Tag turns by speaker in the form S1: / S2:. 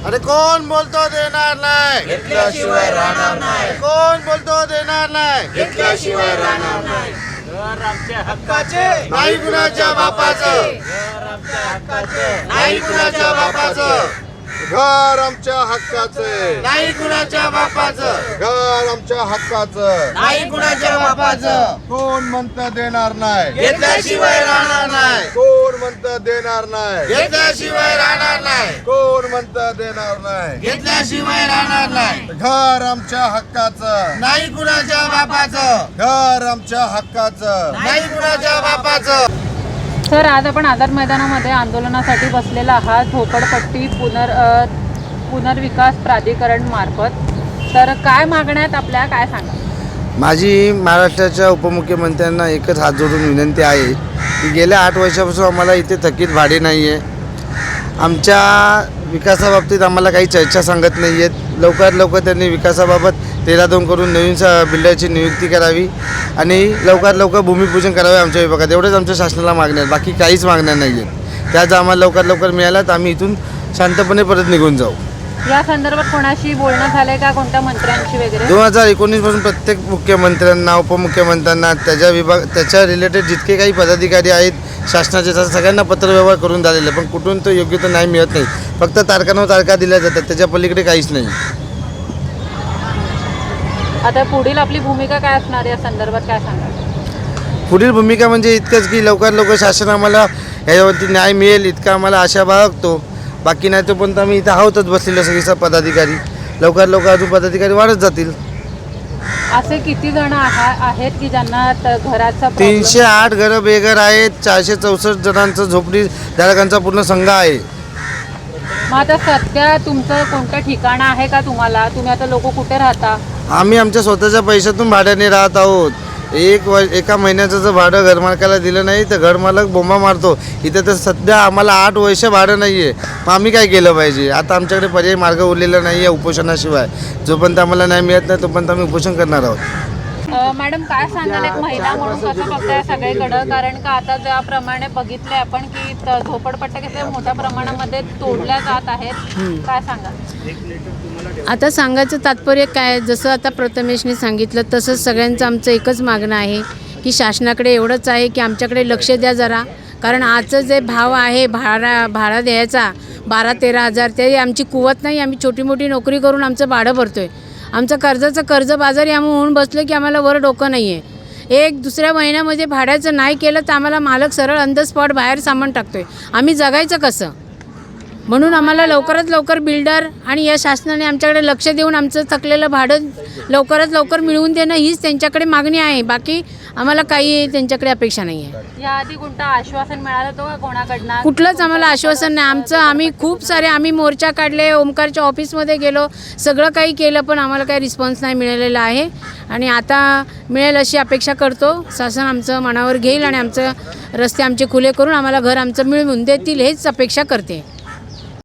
S1: अरे कोण बोलतो देणार नाही,
S2: घेतल्याशिवाय राहणार नाही,
S1: कोण बोलतो देणार नाही,
S2: घेतल्याशिवाय राहणार नाही.
S3: घर आमच्या हक्काचे,
S1: नाही कुणाच्या बापाचं,
S3: घर आमच्या हक्काचे,
S1: नाही कुणाच्या बापाचं,
S4: घर आमच्या हक्काचं,
S1: नाही कुणाच्या बापाचं,
S4: घर आमच्या हक्काचं.
S1: नाही कुणाच्या बापाचं,
S4: कोण म्हणतं देणार नाही,
S1: घेतल्याशिवाय राहणार नाही,
S4: कोण म्हणतं देणार नाही,
S1: घेतल्याशिवाय राहणार नाही,
S4: कोण म्हणतं देणार नाही.
S1: घेतल्याशिवाय राहणार नाही,
S4: घर आमच्या हक्काचं,
S1: नाही कुणाच्या बापाचं,
S4: घर आमच्या हक्काचं.
S1: नाही कुणाच्या बापाचं.
S5: सर, आज आपण आझाद मैदानामध्ये आंदोलनासाठी बसलेला आहात झोपडपट्टी पुनर्विकास प्राधिकरण मार्फत. तर काय मागण्यात आपल्या, काय सांगा?
S6: माझी महाराष्ट्राच्या उपमुख्यमंत्र्यांना एकच हात जोडून विनंती आहे की गेल्या 8 वर्षापासून आम्हाला इथे थकीत भाडे नाही आहे. आमच्या विकासाबाबतीत आम्हाला काही चर्चा सांगत नाही आहेत. लवकरात लवकर त्यांनी विकासाबाबत 13-2 करून नवीन बिल्डरची नियुक्ती करावी आणि लवकरात लवकर भूमिपूजन करावे आमच्या विभागात. एवढंच आमच्या शासनाला मागण्या आहेत, बाकी काहीच मागण्या नाही आहेत. त्या जर आम्हाला लवकरात लवकर मिळाल्या तर आम्ही इथून शांतपणे परत निघून जाऊ.
S5: या संदर्भात कोणाशी बोलणं झालंय का, कोणत्या मंत्र्यांशी वगैरे?
S6: 2019 पासून प्रत्येक मुख्यमंत्र्यांना, उपमुख्यमंत्र्यांना, त्याच्या रिलेटेड जितके काही पदाधिकारी आहेत शासनाचे सगळ्यांना पत्रव्यवहार करून झालेले, पण कुठून तो योग्य तर नाही मिळत नाही. फक्त तारखांवर तारखा दिल्या जातात, त्याच्या पलीकडे काहीच नाही.
S5: आता पुढील आपली भूमिका काय असणार या संदर्भात, काय सांगा?
S6: पुढील भूमिका म्हणजे इतकंच की लवकरात लवकर शासन आम्हाला ह्याच्यावरती न्याय मिळेल इतका आम्हाला आशा बाळगतो. बाकी नाही तोपर्यंत आम्ही इथं आहोतच बसलेलं सगळे पदाधिकारी. लवकरात लवकर अजून पदाधिकारी वाढत जातील.
S5: असे किती जण आहेत की ज्यांना घराचा
S6: 308 घरं बेघर आहेत. 464 जणांचं झोपडी धारकांचा पूर्ण संघ आहे.
S5: मग आता सध्या तुमचं कोणतं ठिकाण आहे का तुम्हाला? तुम्ही आता लोक कुठे राहता?
S6: आम्ही आमच्या स्वतःच्या पैशातून भाड्याने राहत आहोत. एका महिन्याचं जर भाडं घरमालकाला दिलं नाही तर घरमालक बोंबा मारतो. इथं तर सध्या आम्हाला 8 वर्ष भाडं नाही आहे. मग आम्ही काय केलं पाहिजे? आता आमच्याकडे पर्यायी मार्ग उरलेला नाही आहे उपोषणाशिवाय. जोपर्यंत आम्हाला न्याय मिळत नाही तोपर्यंत आम्ही उपोषण करणार आहोत.
S5: मॅडम, काय सांगाल एक महिला म्हणून कसं बघताय सगळीकडं? कारण का आता ज्याप्रमाणे बघितले आपण की झोपडपट्ट्या किती मोठ्या प्रमाणामध्ये तोडल्या जात आहेत, काय सांगाल?
S7: आता सांगायचं तात्पर्य काय, जसं आता प्रथमेशने सांगितलं तसंच सगळ्यांचं आमचं एकच मागणं आहे की शासनाकडे एवढंच आहे की आमच्याकडे लक्ष द्या जरा. कारण आजचं जे भाव आहे भाडा द्यायचा 12-13 हजार, ते आमची कुवत नाही. आम्ही छोटी मोठी नोकरी करून आमचं भाडं भरतो आहे. आमचं कर्जबाजारी आम्ही होऊन बसलो की आम्हाला वर डोकं नाही आहे. एक दुसऱ्या महिन्यामध्ये भाड्याचं नाही केलं तर आम्हाला मालक सरळ ऑन द स्पॉट बाहेर सामान टाकतो आहे. आम्ही जगायचं कसं? म्हणून आम्हाला लवकरात लवकर बिल्डर आणि या शासनाने आमच्याकडे लक्ष देऊन आमचं थकलेलं भाडं लवकरात लवकर मिळवून देणं हीच त्यांच्याकडे मागणी आहे. बाकी आम्हाला काही त्यांच्याकडे अपेक्षा नाही आहे.
S5: याआधी कोणतं आश्वासन मिळालं होतं का कोणाकडनं?
S7: कुठलंच आम्हाला आश्वासन नाही. आम्ही खूप सारे मोर्चा काढले, ओमकारच्या ऑफिसमध्ये गेलो, सगळं काही केलं, पण आम्हाला काही रिस्पॉन्स नाही मिळालेला आहे. आणि आता मिळेल अशी अपेक्षा करतो. शासन आमचं मनावर घेईल आणि आमचं रस्ते आमचे खुले करून आम्हाला घर आमचं मिळवून देतील हेच अपेक्षा करते.